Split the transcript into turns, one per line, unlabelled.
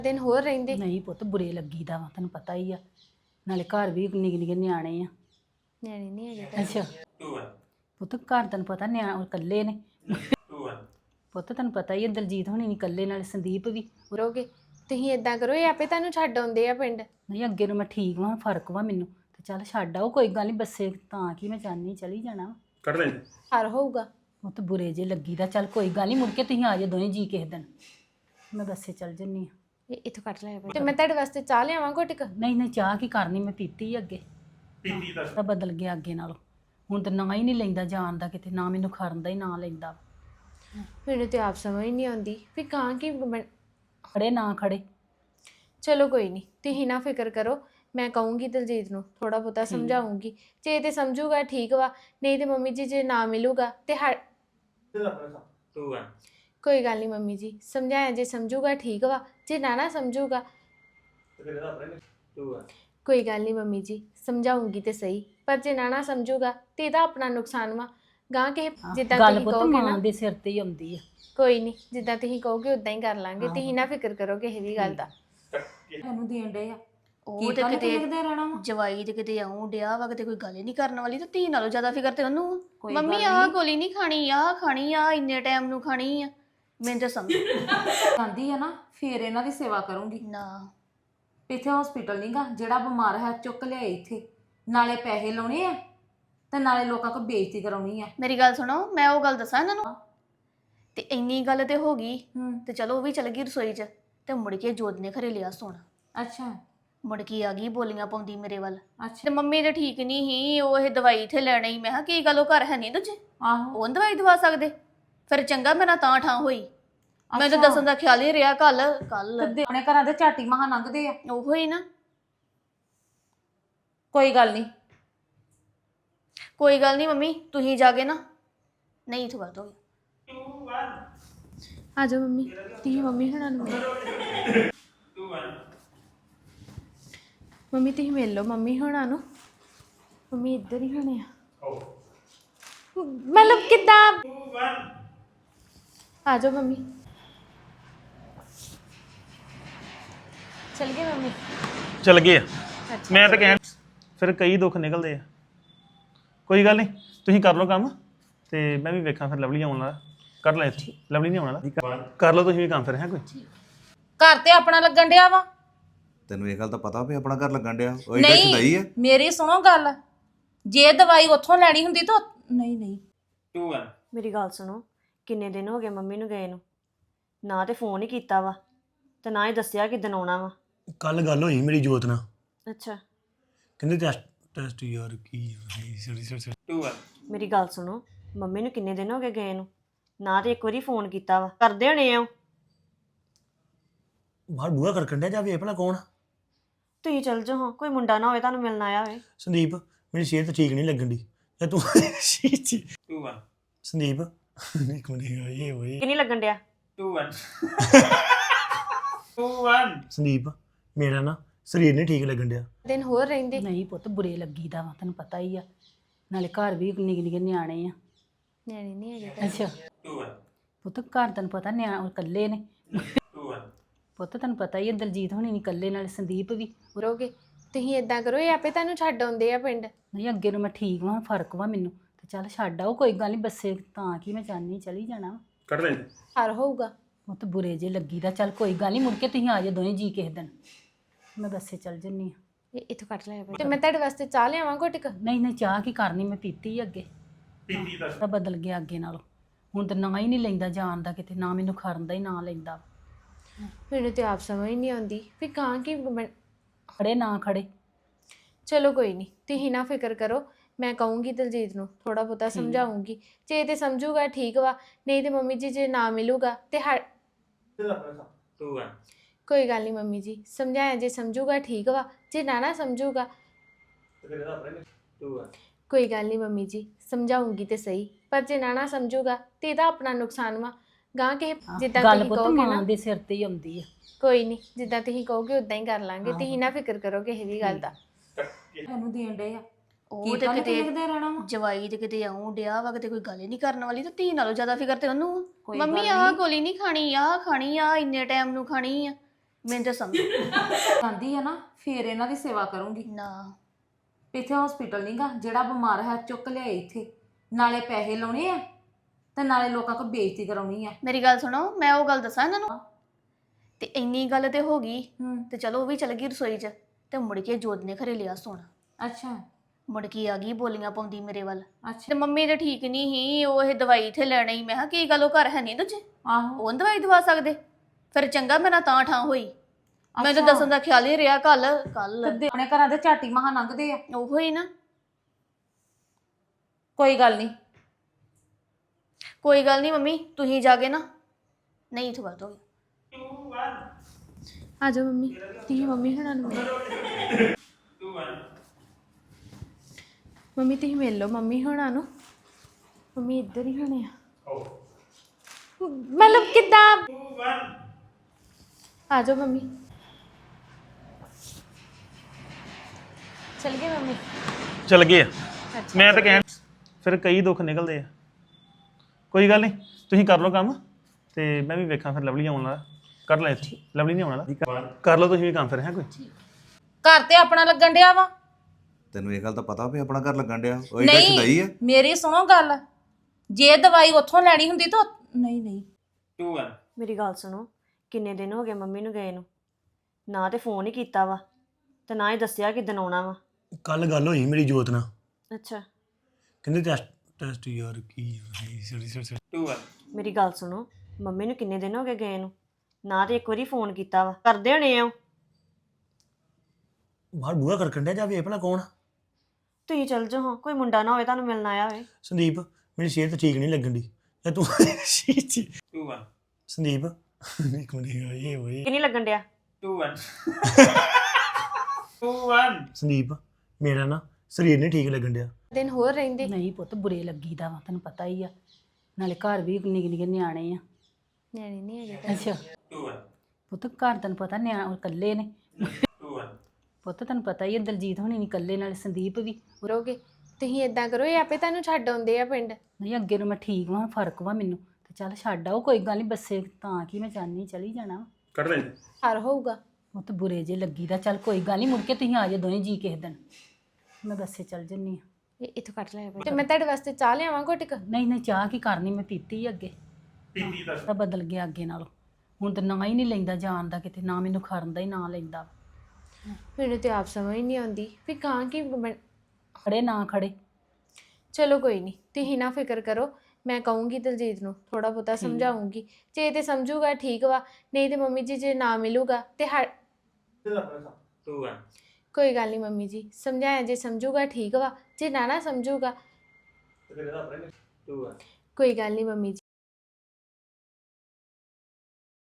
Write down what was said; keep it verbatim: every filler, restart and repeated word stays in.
ਦਿਨ ਹੋਰ ਰਹਿੰਦੇ।
ਨਹੀਂ ਪੁੱਤ ਬੁਰੇ ਲੱਗੀਦਾ ਵਾ ਤੈਨੂੰ ਪਤਾ ਹੀ ਆ ਨਾਲੇ ਘਰ ਵੀ ਨਿੱਕੇ ਨਿੱਕੇ ਨਿਆਣੇ ਆ।
ਨਿਆਣੇ ਨਹੀਂ ਹੈਗੇ
ਅੱਛਾ ਪੁੱਤ ਘਰ ਤੈਨੂੰ ਪਤਾ ਨਿਆ ਉਹ ਇਕੱਲੇ ਨੇ ਪੁੱਤ ਤੈਨੂੰ ਪਤਾ ਹੀ ਆ ਦਲਜੀਤ ਹੋਣੀ ਨਹੀਂ ਇਕੱਲੇ ਨਾਲੇ ਸੰਦੀਪ ਵੀ।
ਕਰੋਗੇ ਤੁਸੀਂ ਇਦਾਂ ਕਰੋ ਇਹ ਆਪੇ ਤੁਹਾਨੂੰ ਛੱਡ ਆਉਂਦੇ ਆ ਪਿੰਡ।
ਨਹੀਂ ਅੱਗੇ ਨੂੰ ਮੈਂ ਠੀਕ ਵਾਂ ਫਰਕ ਵਾ ਮੈਨੂੰ ਤੇ ਚੱਲ ਛੱਡ ਆਓ ਕੋਈ ਗੱਲ ਨਹੀਂ ਬੱਸੇ ਤਾਂ ਕੀ ਮੈਂ ਚਾਹਨੀ ਚਲੀ ਜਾਣਾ ਵਾ।
ਕੱਢ ਲੈ
ਹਰ ਹੋਊਗਾ
ਉਹ ਤਾਂ ਬੁਰੇ ਜੇ ਲੱਗੀਦਾ ਚੱਲ ਕੋਈ ਗੱਲ ਨਹੀਂ ਮੁੜ ਕੇ ਤੁਸੀਂ ਆ ਜਾਓ ਦੋਵੇਂ ਜੀ ਕਿਸੇ ਦਿਨ ਮੈਂ ਬੱਸੇ ਚੱਲ ਜੰਨੀ ਆ।
ਇਹ ਇੱਥੋਂ ਕੱਟ ਲਿਆ ਤੇ ਮੈਂ ਤੁਹਾਡੇ ਵਾਸਤੇ ਚਾਹ ਲਿਆਵਾਂ ਘੁੱਟ ਕੇ।
ਨਹੀਂ ਨਹੀਂ ਚਾਹ ਕੀ ਕਰਨੀ ਮੈਂ ਪੀਤੀ ਅੱਗੇ
ਪੀਤੀ ਤਾਂ
ਤਾਂ ਬਦਲ ਗਿਆ ਅੱਗੇ ਨਾਲੋਂ ਹੁਣ ਤਾਂ ਨਾ ਹੀ ਨਹੀਂ ਲੈਂਦਾ ਜਾਣ ਦਾ ਕਿਤੇ ਨਾ ਮੈਨੂੰ ਖੜਨ ਦਾ ਹੀ ਨਾ ਲੈਂਦਾ।
ਮੈਨੂੰ ਤੇ ਆਪ ਸਮਝ ਨਹੀਂ ਆਉਂਦੀ ਵੀ ਕਾਂ ਕੀ ਬਣ-
ਖੜੇ ਨਾ ਖੜੇ
ਚਲੋ ਕੋਈ ਨਹੀਂ ਤੁਸੀਂ ਨਾ ਫਿਕਰ ਕਰੋ ਮੈਂ ਕਹੂੰਗੀ ਦਲਜੀਤ ਨੂੰ ਥੋੜਾ ਬਹੁਤਾ ਸਮਝਾਉਂਗੀ ਜੇ ਤੇ ਸਮਝੂਗਾ ਠੀਕ ਵਾ ਨਹੀਂ ਤੇ ਮੰਮੀ ਜੀ ਜੇ ਨਾ ਮਿਲੂਗਾ ਤੇ ਹਾ-
ਟੂ ਵਨ
ਕੋਈ ਗੱਲ ਨਹੀਂ ਮੰਮੀ ਜੀ ਸਮਝਾਇਆ ਜੇ ਸਮਝੂਗਾ ਠੀਕ ਵਾ ਜੇ ਨਾ ਨਾ ਸਮਝੂਗਾ
ਟੂ ਵਨ
ਕੋਈ ਗੱਲ ਨਹੀਂ ਮੰਮੀ ਜੀ ਸਮਝਾਉਂਗੀ ਤੇ ਸਹੀ ਪਰ ਜੇ ਨਾ ਨਾ ਸਮਝੂਗਾ ਤੇ ਇਹਦਾ ਆਪਣਾ ਨੁਕਸਾਨ ਵਾ ਗਾਂ ਕੇ ਜਿੱਦਾਂ
ਗੱਲ
ਤੁਸੀਂ
ਪੁੱਤ
ਕਹੋਗੇ
ਮਾਂ
ਨਾ
ਦੇ ਸਿਰ ਤੇ ਹੀ ਆਉਂਦੀ ਆ।
ਕੋਈ ਨਹੀਂ ਜਿੱਦਾਂ ਤੁਸੀਂ ਕਹੋਗੇ ਉਦਾਂ ਹੀ ਕਰ ਲਾਂਗੇ ਤੁਸੀਂ ਨਾ ਫਿਕਰ ਕਰੋ ਕਿਸੇ ਵੀ ਗੱਲ ਦਾ।
ਇਹਨੂੰ ਦੇਣ ਡੇ ਆ
ਉਹ ਤੇ ਕਿਤੇ ਜਵਾਈ ਤੇ ਕਿਤੇ ਆਉਂ ਡਿਆ ਵਾ ਕਿਤੇ ਕੋਈ ਗੱਲ ਹੀ ਨਹੀਂ ਕਰਨ ਵਾਲੀ ਤੇ ਧੀ ਨਾਲੋਂ ਜ਼ਿਆਦਾ ਫਿਕਰ ਤੇ ਉਹਨੂੰ ਆ। ਮੰਮੀ ਆਹ ਗੋਲੀ ਨਹੀਂ ਖਾਣੀ ਆਹ ਖਾਣੀ ਆ ਇੰਨੇ ਟਾਈਮ ਨੂੰ ਖਾਣੀ ਆ ਮੈਨੂੰ ਤਾਂ ਸਮਝ
ਆਂਦੀ ਹੈ ਨਾ ਫੇਰ ਇਹਨਾਂ ਦੀ ਸੇਵਾ ਕਰੂੰਗੀ।
ਨਾ
ਇੱਥੇ ਹਸਪੀਟਲ ਨਹੀਂਗਾ ਜਿਹੜਾ ਬਿਮਾਰ ਹੈ ਚੁੱਕ ਲਿਆਏ ਇੱਥੇ ਨਾਲੇ ਪੈਸੇ ਲਾਉਣੇ ਆ ਤੇ ਨਾਲੇ ਲੋਕਾਂ ਕੋਲ ਬੇਇੱਜ਼ਤੀ ਕਰਾਉਣੀ ਆ।
ਮੇਰੀ ਗੱਲ ਸੁਣੋ ਮੈਂ ਉਹ ਗੱਲ ਦੱਸਾਂ ਇਹਨਾਂ ਨੂੰ ਤੇ ਇੰਨੀ ਗੱਲ ਤੇ ਹੋ ਗਈ
ਹੂੰ
ਤੇ ਚਲੋ ਉਹ ਵੀ ਚਲ ਗਈ ਰਸੋਈ 'ਚ ਤੇ ਮੁੜ ਕੇ ਜੋਤ ਨੇ ਘਰੇ ਲਿਆ ਸੋਣਾ
ਅੱਛਾ
ਮੁੜ ਕੇ ਆ ਗਈ ਬੋਲੀਆਂ ਪਾਉਂਦੀ ਮੇਰੇ ਵੱਲ
ਅੱਛਾ
ਤੇ ਮੰਮੀ ਤੇ ਠੀਕ ਨਹੀਂ ਸੀ ਉਹ ਇਹ ਦਵਾਈ ਇੱਥੇ ਲੈਣਾ ਹੀ ਮੈਂ ਕਿਹਾ ਕੀ ਗੱਲ ਉਹ ਘਰ ਹੈ ਨਹੀਂ ਦੂਜੇ
ਆਹੋ
ਉਹ ਨੀ ਦਵਾਈ ਦਵਾ ਸਕਦੇ ਫਿਰ ਚੰਗਾ ਮੇਰਾ ਤਾਂ ਠਾਂ ਹੋਈ ਮੈਂ ਤਾਂ ਦੱਸਣ ਦਾ ਖਿਆਲ ਹੀ ਰਿਹਾ ਕੱਲ ਕੱਲ
ਤੇ ਆਪਣੇ ਘਰਾਂ ਦੇ ਝਾਟੀ ਮਹਾ ਲੰਘਦੇ ਆ।
ਉਹੋ ਹੀ ਨਾ
ਕੋਈ ਗੱਲ ਨਹੀਂ
ਕੋਈ ਗੱਲ ਨਹੀਂ ਮੰਮੀ ਤੁਸੀਂ ਜਾ ਕੇ ਨਾ ਨਹੀਂ ਇੱਥੋਂ ਕਰ ਦੋਗੇ
ਆ ਜਾਓ ਮੰਮੀ ਤੁਸੀਂ ਮੰਮੀ ਹੁਣਾਂ ਨੂੰ ਮਿਲੋ। ਮੰਮੀ ਤੁਸੀਂ ਮਿਲ ਲਓ ਮੰਮੀ ਹੁਣਾਂ ਨੂੰ ਮੰਮੀ ਇੱਧਰ ਹੀ ਹੋਣੇ ਆ ਮਤਲਬ ਕਿੱਦਾਂ ਆ ਜਾਓ ਮੰਮੀ ਚਲ ਗਏ ਮੰਮੀ
ਚੱਲ ਗਏ ਆ। ਮੈਂ ਤਾਂ ਕਹਿਣ ਫਿਰ ਕਈ ਦੁੱਖ ਨਿਕਲਦੇ ਆ ਕੋਈ ਗੱਲ ਨਹੀਂ ਤੁਸੀਂ ਕਰ ਲਓ ਕੰਮ ਤੇ ਮੈਂ ਵੀ ਵੇਖਾਂ ਫਿਰ ਲਵਲੀ ਆਉਣ ਵਾਲਾ ਕਰ ਲੈ ਇੱਥੇ ਲਵਲੀ ਨਹੀਂ ਆਉਣ ਵਾਲਾ ਕਰ ਲਓ ਤੁਸੀਂ ਵੀ ਕੰਮ ਫਿਰ ਹੈ ਕੋਈ
ਘਰ ਤੇ ਆਪਣਾ ਲੱਗਣ ਡਿਆ ਵਾ।
ਤੈਨੂੰ ਇਹ ਗੱਲ ਤਾਂ ਪਤਾ ਵੀ ਆਪਣਾ ਘਰ ਲੱਗਣ ਡਿਆ ਉਹ ਇੱਦਾਂ ਛਦਾਈ ਹੈ।
ਮੇਰੀ ਸੁਣੋ ਗੱਲ ਜੇ ਦਵਾਈ ਉੱਥੋਂ ਲੈਣੀ ਹੁੰਦੀ ਤਾਂ ਨਹੀਂ ਨਹੀਂ
ਟੂ ਵਨ
ਮੇਰੀ ਗੱਲ ਸੁਣੋ ਕਿੰਨੇ ਦਿਨ ਹੋ ਗਏ ਮੰਮੀ ਨੂੰ ਗਏ ਨੂੰ ਨਾ ਤੇ ਫੋਨ ਹੀ ਕੀਤਾ ਵਾ ਤੇ ਨਾ ਹੀ ਦੱਸਿਆ ਕਿਦਣ ਆਉਣਾ ਵਾ।
ਕੱਲ ਗੱਲ ਹੋਈ ਮੇਰੀ ਜੋਤ ਨਾਲ
ਅੱਛਾ
ਕਹਿੰਦੇ ਟੈਸਟ ਟੈਸਟ ਯਾਰ ਕੀ ਸੌਰੀ ਸੌਰੀ
ਟੂ ਵਨ
ਮੇਰੀ ਗੱਲ ਸੁਣੋ ਮੰਮੀ ਨੂੰ ਕਿੰਨੇ ਦਿਨ ਹੋ ਗਏ ਗਏ ਨੂੰ ਨਾ ਤੇ ਇੱਕ ਵਾਰੀ ਫੋਨ ਕੀਤਾ ਵਾ ਕਰਦੇ ਹੋਣੇ ਆ
ਬਾਹਰ ਬੂਹਾ ਖੜਕਣ ਡਿਆ ਜਾ ਵੇ ਭਲਾ ਕੌਣ ਆ?
ਤੁਸੀਂ ਚੱਲ ਜਾਓ ਹਾਂ ਕੋਈ ਮੁੰਡਾ ਨਾ ਹੋਵੇ ਤੁਹਾਨੂੰ ਮਿਲਣ ਆਇਆ ਹੋਵੇ।
ਸੰਦੀਪ ਮੇਰੀ ਸਿਹਤ ਠੀਕ ਨਹੀਂ ਲੱਗਣ ਦੀ ਜਾਂ ਤੂੰ
ਟੂ ਵਨ
ਸੰਦੀਪ ਇੱਕ ਮਿੰਟ ਇਹ ਹੋਏ
ਕਿ ਨਹੀਂ ਲੱਗਣ ਡਿਆ
two one two one
Sandeep ਮੇਰਾ ਨਾ ਸਰੀਰ ਨਹੀਂ ਠੀਕ ਲੱਗਣ ਡਿਆ।
ਦਿਨ ਹੋਰ ਰਹਿੰਦੇ
ਨਹੀਂ ਪੁੱਤ ਬੁਰੇ ਲੱਗੀਦਾ ਵਾ ਤੈਨੂੰ ਪਤਾ ਹੀ ਆ ਨਾਲੇ ਘਰ ਵੀ ਨਿੱਕੇ ਨਿੱਕੇ ਨਿਆਣੇ ਆ।
ਨਿਆਣੇ ਨਹੀਂ ਹੈਗੇ
ਅੱਛਾ
ਟੂ ਵਨ
ਪੁੱਤ ਘਰ ਤੈਨੂੰ ਪਤਾ ਨਿਆ ਉਹ ਇਕੱਲੇ ਨੇ
ਟੂ ਵਨ
ਪੁੱਤ ਤੈਨੂੰ ਪਤਾ ਹੀ ਆ ਦਲਜੀਤ ਹੋਣੀ ਨਹੀਂ ਇਕੱਲੇ ਨਾਲੇ ਸੰਦੀਪ ਵੀ।
ਕਰੋਗੇ ਤੁਸੀਂ ਇਦਾਂ ਕਰੋ ਇਹ ਆਪੇ ਤੁਹਾਨੂੰ ਛੱਡ ਆਉਂਦੇ ਆ ਪਿੰਡ।
ਨਹੀਂ ਅੱਗੇ ਨੂੰ ਮੈਂ ਠੀਕ ਵਾਂ ਫਰਕ ਵਾ ਮੈਨੂੰ ਤੇ ਚੱਲ ਛੱਡ ਆਓ ਕੋਈ ਗੱਲ ਨਹੀਂ ਬੱਸੇ ਤਾਂ ਕੀ ਮੈਂ ਚਾਹਨੀ ਚਲੀ ਜਾਣਾ ਵਾ।
ਕੱਢ ਲੈ
ਹਰ ਹੋਊਗਾ
ਉਹ ਤਾਂ ਬੁਰੇ ਜੇ ਲੱਗੀਦਾ ਚੱਲ ਕੋਈ ਗੱਲ ਨਹੀਂ ਮੁੜ ਕੇ ਤੁਸੀਂ ਆ ਜਾਓ ਦੋਵੇਂ ਜੀ ਕਿਸੇ ਦਿਨ ਮੈਂ ਬੱਸੇ ਚੱਲ ਜੰਨੀ ਆ।
ਇਹ ਇੱਥੋਂ ਕੱਟ ਲਿਆ ਤੇ ਮੈਂ ਤੁਹਾਡੇ ਵਾਸਤੇ ਚਾਹ ਲਿਆਵਾਂ ਘੁੱਟ ਕੇ।
ਨਹੀਂ ਨਹੀਂ ਚਾਹ ਕੀ ਕਰਨੀ ਮੈਂ ਪੀਤੀ ਅੱਗੇ
ਪੀਤੀ ਤਾਂ
ਤਾਂ ਬਦਲ ਗਿਆ ਅੱਗੇ ਨਾਲੋਂ ਹੁਣ ਤਾਂ ਨਾ ਹੀ ਨਹੀਂ ਲੈਂਦਾ ਜਾਣ ਦਾ ਕਿਤੇ ਨਾ ਮੈਨੂੰ ਖੜਨ ਦਾ ਹੀ ਨਾ ਲੈਂਦਾ।
ਮੈਨੂੰ ਤੇ ਆਪ ਸਮਝ ਨਹੀਂ ਆਉਂਦੀ ਵੀ ਕਾਂ ਕੀ ਬਣ-
ਖੜੇ ਨਾ ਖੜੇ
ਚਲੋ ਕੋਈ ਨਹੀਂ ਤੁਸੀਂ ਨਾ ਫਿਕਰ ਕਰੋ ਮੈਂ ਕਹੂੰਗੀ ਦਲਜੀਤ ਨੂੰ ਥੋੜਾ ਬਹੁਤਾ ਸਮਝਾਉਂਗੀ ਜੇ ਤੇ ਸਮਝੂਗਾ ਠੀਕ ਵਾ ਨਹੀਂ ਤੇ ਮੰਮੀ ਜੀ ਜੇ ਨਾ ਮਿਲੂਗਾ ਤੇ ਹਾ-
ਟੂ ਵਨ
ਕੋਈ ਗੱਲ ਨਹੀਂ ਮੰਮੀ ਜੀ ਸਮਝਾਇਆ ਜੇ ਸਮਝੂਗਾ ਠੀਕ ਵਾ ਜੇ ਨਾ ਨਾ ਸਮਝੂਗਾ
ਟੂ ਵਨ
ਕੋਈ ਗੱਲ ਨਹੀਂ ਮੰਮੀ ਜੀ ਸਮਝਾਉਂਗੀ ਤੇ ਸਹੀ ਪਰ ਜੇ ਨਾ ਨਾ ਸਮਝੂਗਾ ਤੇ ਇਹਦਾ ਆਪਣਾ ਨੁਕਸਾਨ ਵਾ ਗਾਂ ਕੇ ਜਿੱਦਾਂ
ਗੱਲ
ਤੁਸੀਂ
ਪੁੱਤ
ਕਹੋਗੇ
ਮਾਂ
ਨਾ
ਦੇ ਸਿਰ ਤੇ ਹੀ ਆਉਂਦੀ ਆ।
ਕੋਈ ਨਹੀਂ ਜਿੱਦਾਂ ਤੁਸੀਂ ਕਹੋਗੇ ਉਦਾਂ ਹੀ ਕਰ ਲਾਂਗੇ ਤੁਸੀਂ ਨਾ ਫਿਕਰ ਕਰੋ ਕਿਸੇ ਵੀ ਗੱਲ ਦਾ।
ਇਹਨੂੰ ਦੇਣ ਡੇ ਆ।
ਉਹ ਤੇ ਕਿਤੇ
ਕਿਤੇ ਰਹਿਣਾ ਵਾ
ਜਵਾਈ ਤੇ ਕਿਤੇ ਆਉਂ ਡਿਆ ਵਾ ਕਿਤੇ ਕੋਈ ਗੱਲ ਹੀ ਨਹੀਂ ਕਰਨ ਵਾਲੀ ਤੇ ਧੀ ਨਾਲੋਂ ਜ਼ਿਆਦਾ ਫਿਕਰ ਤੇ ਉਹਨੂੰ ਆ।
ਕੋਈ
ਮੰਮੀ
ਗੱਲ
ਆਹ
ਨੀ।
ਗੋਲੀ ਨਹੀਂ ਖਾਣੀ ਆਹ ਖਾਣੀ ਆ ਇੰਨੇ ਟਾਈਮ ਨੂੰ ਖਾਣੀ ਆ ਮੈਨੂੰ ਤਾਂ ਸਮਝ
ਆਂਦੀ ਆ ਨਾ ਫੇਰ ਇਹਨਾਂ ਦੀ ਸੇਵਾ ਕਰੂੰਗੀ।
ਨਾ
ਇੱਥੇ ਹਸਪੀਟਲ ਨਹੀਂਗਾ ਜਿਹੜਾ ਬਿਮਾਰ ਹੈ ਚੁੱਕ ਲਿਆਏ ਇੱਥੇ, ਨਾਲੇ ਪੈਸੇ ਲਾਉਣੇ ਆ ਤੇ ਨਾਲੇ ਲੋਕਾਂ ਕੋਲ ਬੇਇੱਜ਼ਤੀ ਕਰਾਉਣੀ ਆ।
ਮੇਰੀ ਗੱਲ ਸੁਣੋ, ਮੈਂ ਉਹ ਗੱਲ ਦੱਸਾਂ ਇਹਨਾਂ ਨੂੰ ਤੇ ਇੰਨੀ ਗੱਲ ਤੇ ਹੋ ਗਈ
ਹੂੰ
ਤੇ ਚਲੋ ਉਹ ਵੀ ਚਲ ਗਈ ਰਸੋਈ 'ਚ ਤੇ ਮੁੜ ਕੇ ਜੋਤ ਨੇ ਘਰੇ ਲਿਆ ਸੋਣਾ।
ਅੱਛਾ
ਮੁੜ ਕੇ ਆ ਗਈ ਬੋਲੀਆਂ ਪਾਉਂਦੀ ਮੇਰੇ ਵੱਲ ਤੇ
ਅੱਛਾ
ਮੰਮੀ ਤੇ ਠੀਕ ਨਹੀਂ ਸੀ, ਉਹ ਇਹ ਦਵਾਈ ਇੱਥੇ ਲੈਣੀ ਸੀ। ਮੈਂ ਕਿਹਾ ਕੀ ਗੱਲ ਉਹ ਘਰ ਹੈ ਨਹੀਂ ਦੂਜੇ,
ਆਹੋ
ਉਹ ਨੀ ਦਵਾਈ ਦਵਾ ਸਕਦੇ। ਫਿਰ ਚੰਗਾ ਮੈਂ ਨਾ ਤਾਂ ਠਾਂ ਹੋਈ, ਮੈਂ ਤਾਂ
ਅੱਛਾ।
ਦੱਸਣ ਦਾ ਖਿਆਲ ਹੀ ਰਿਹਾ ਕੱਲ ਕੱਲ
ਤੇ ਆਪਣੇ ਘਰਾਂ ਦੇ ਝਾਟੀ ਮਹਾ ਲੰਘਦੇ ਆ।
ਉਹ ਹੀ ਨਾ।
ਕੋਈ ਗੱਲ ਨਹੀਂ,
ਕੋਈ ਗੱਲ ਨਹੀਂ ਮੰਮੀ, ਤੁਸੀਂ ਜਾ ਕੇ ਨਾ ਨਹੀਂ ਇੱਥੇ ਬਾਤ ਹੋ ਗਈ।
ਆ ਜਾਓ ਮੰਮੀ ਤੁਸੀਂ ਮੰਮੀ ਹੁਣਾਂ ਨੂੰ ਮਿਲੋ। ਮੰਮੀ ਤੁਸੀਂ ਮਿਲ ਲਓ ਮੰਮੀ ਹੁਣਾਂ ਨੂੰ। ਮੰਮੀ ਇੱਧਰ ਹੀ ਹੋਣੇ ਆ। ਮਤਲਬ ਕਿੱਦਾਂ? ਆ ਜਾਓ ਮੰਮੀ। ਚਲ ਗਏ ਮੰਮੀ?
ਚਲ ਗਏ ਆ। ਮੈਂ ਤਾਂ ਕਹਿਣ ਫਿਰ ਕਈ ਦੁੱਖ ਨਿਕਲਦੇ ਆ। ਕੋਈ ਗੱਲ ਨਹੀਂ, ਤੁਸੀਂ ਕਰ ਲਓ ਕੰਮ ਤੇ ਮੈਂ ਵੀ ਵੇਖਾਂ ਫਿਰ ਲਵਲੀ ਆਉਣ ਵਾਲਾ। ਕਰ ਲੈ ਇੱਥੇ, ਲਵਲੀ ਨਹੀਂ ਆਉਣ ਵਾਲਾ। ਕਰ ਲਓ ਤੁਸੀਂ ਵੀ ਕੰਮ ਫਿਰ, ਹੈ ਕੋਈ
ਘਰ ਤੇ ਆਪਣਾ ਲੱਗਣ ਡਿਆ ਵਾ।
ਤੈਨੂੰ ਇਹ ਗੱਲ ਤਾਂ ਪਤਾ ਵੀ ਆਪਣਾ ਘਰ ਲੱਗਣ ਡਿਆ ਉਹ ਇੱਥੇ ਸਦਾਈ ਆ।
ਮੇਰੀ ਸੁਣੋ ਗੱਲ, ਜੇ ਦਵਾਈ ਉੱਥੋਂ ਲੈਣੀ ਹੁੰਦੀ ਤਾਂ ਨਹੀਂ ਨਹੀਂ
ਮੇਰੀ ਗੱਲ ਸੁਣੋ, ਕਿੰਨੇ ਦਿਨ ਹੋ ਗਏ ਮੰਮੀ ਨੂੰ ਗਏ ਨੂੰ, ਨਾ ਤੇ ਫੋਨ ਹੀ ਕੀਤਾ ਵਾ ਤੇ ਨਾ ਹੀ ਦੱਸਿਆ ਕਿਦਣ ਆਉਣਾ ਵਾ।
ਕੱਲ ਗੱਲ ਹੋਈ ਮੇਰੀ ਜੋਤ ਨਾਲ,
ਅੱਛਾ
ਕਹਿੰਦੇ ਟੈਸਟ ਟੈਸਟ ਯਾਰ ਕੀ ਸੜੀ ਸੜੀ
ਮੇਰੀ ਗੱਲ ਸੁਣੋ, ਮੰਮੀ ਨੂੰ ਕਿੰਨੇ ਦਿਨ ਹੋ ਗਏ ਗਏ ਨੂੰ, ਨਾ ਤੇ ਇੱਕ ਵਾਰੀ ਫੋਨ ਕੀਤਾ ਵਾ। ਕਰਦੇ ਹੋਣੇ ਆ ਉਹ।
ਬਾਹਰ ਬੂਹਾ ਕਰ ਕੰਡਿਆ ਜਾ ਵੇ ਭਲਾ ਕੌਣ।
ਤੁਸੀਂ ਚੱਲ ਜਾਓ, ਹਾਂ, ਕੋਈ ਮੁੰਡਾ ਨਾ ਹੋਵੇ ਤੁਹਾਨੂੰ ਮਿਲਣ ਆਇਆ ਹੋਵੇ।
ਸੰਦੀਪ ਮੇਰੀ ਸਿਹਤ ਠੀਕ ਨਹੀਂ ਲੱਗਣ ਦੀ ਜਾਂ ਤੂੰ ਸੰਦੀਪ ਇੱਕ ਮਿੰਟ ਇਹ ਹੋਈ
ਕਿ ਨਹੀਂ ਲੱਗਣ ਡਿਆ?
ਸੰਦੀਪ ਮੇਰਾ ਨਾ ਸਰੀਰ ਨਹੀਂ ਠੀਕ ਲੱਗਣ ਡਿਆ।
ਦਿਨ ਹੋਰ ਰਹਿੰਦੇ।
ਨਹੀਂ ਪੁੱਤ, ਬੁਰੇ ਲੱਗੀਦਾ ਵਾ, ਤੈਨੂੰ ਪਤਾ ਹੀ ਆ। ਨਾਲੇ ਘਰ ਵੀ ਨਿੱਕੇ ਨਿੱਕੇ ਨਿਆਣੇ ਆ।
ਨਿਆਣੇ ਨਹੀਂ ਹੈਗੇ
ਅੱਛਾ ਪੁੱਤ, ਘਰ ਤੈਨੂੰ ਪਤਾ ਨਿਆ ਉਹ ਇਕੱਲੇ ਨੇ। ਪੁੱਤ ਤੈਨੂੰ ਪਤਾ ਹੀ ਆ, ਦਲਜੀਤ ਹੋਣੀ ਨਹੀਂ ਇਕੱਲੇ, ਨਾਲੇ ਸੰਦੀਪ ਵੀ।
ਕਰੋਗੇ। ਤੁਸੀਂ ਇਦਾਂ ਕਰੋ, ਇਹ ਆਪੇ ਤੁਹਾਨੂੰ ਛੱਡ ਆਉਂਦੇ ਆ ਪਿੰਡ।
ਨਹੀਂ ਅੱਗੇ ਨੂੰ ਮੈਂ ਠੀਕ ਵਾਂ, ਫਰਕ ਵਾ ਮੈਨੂੰ ਤੇ ਚੱਲ ਛੱਡ ਆਓ, ਕੋਈ ਗੱਲ ਨਹੀਂ। ਬੱਸੇ ਤਾਂ ਕੀ ਮੈਂ ਚਾਹਨੀ ਚਲੀ ਜਾਣਾ ਵਾ।
ਕੱਢ ਲੈ
ਹਰ ਹੋਊਗਾ।
ਉਹ ਤਾਂ ਬੁਰੇ ਜੇ ਲੱਗੀਦਾ। ਚੱਲ ਕੋਈ ਗੱਲ ਨਹੀਂ, ਮੁੜ ਕੇ ਤੁਸੀਂ ਆ ਜਾਓ ਦੋਵੇਂ ਜੀ ਕਿਸੇ ਦਿਨ, ਮੈਂ ਬੱਸੇ ਚੱਲ ਜੰਨੀ ਆ।
ਇਹ ਇੱਥੋਂ ਕੱਟ ਲਿਆ ਤੇ ਮੈਂ ਤੁਹਾਡੇ ਵਾਸਤੇ ਚਾਹ ਲਿਆਵਾਂ ਘੁੱਟ ਕੇ?
ਨਹੀਂ ਨਹੀਂ, ਚਾਹ ਕੀ ਕਰਨੀ, ਮੈਂ ਪੀਤੀ ਅੱਗੇ। ਪੀਤੀ ਤਾਂ ਬਦਲ ਗਿਆ ਅੱਗੇ ਨਾਲੋਂ। ਹੁਣ ਤਾਂ ਨਾ ਹੀ ਨਹੀਂ ਲੈਂਦਾ ਜਾਣ ਦਾ ਕਿਤੇ, ਨਾ ਮੈਨੂੰ ਖੜਨ ਦਾ ਹੀ ਨਾਂ ਲੈਂਦਾ।
ਮੈਨੂੰ ਤੇ ਆਪ ਸਮਝ ਨਹੀਂ ਆਉਂਦੀ ਵੀ ਕਾਂ ਕੀ ਬਣ-
ਖੜੇ ਨਾ ਖੜੇ।
ਚਲੋ ਕੋਈ ਨਹੀਂ, ਤੁਸੀਂ ਨਾ ਫਿਕਰ ਕਰੋ। ਮੈਂ ਕਹੂੰਗੀ ਦਲਜੀਤ ਨੂੰ, ਥੋੜਾ ਬਹੁਤਾ ਸਮਝਾਉਂਗੀ। ਜੇ ਤੇ ਸਮਝੂਗਾ ਠੀਕ ਵਾ, ਨਹੀਂ ਤੇ ਮੰਮੀ ਜੀ ਜੇ ਨਾ ਮਿਲੂਗਾ ਤੇ ਹਾ- ਕੋਈ ਗੱਲ ਨਹੀਂ ਮੰਮੀ ਜੀ, ਸਮਝਾਇਆ ਜੇ ਸਮਝੂਗਾ ਠੀਕ ਵਾ, ਜੇ ਨਾ ਨਾ ਸਮਝੂਗਾ ਕੋਈ ਗੱਲ ਨਹੀਂ ਮੰਮੀ ਜੀ।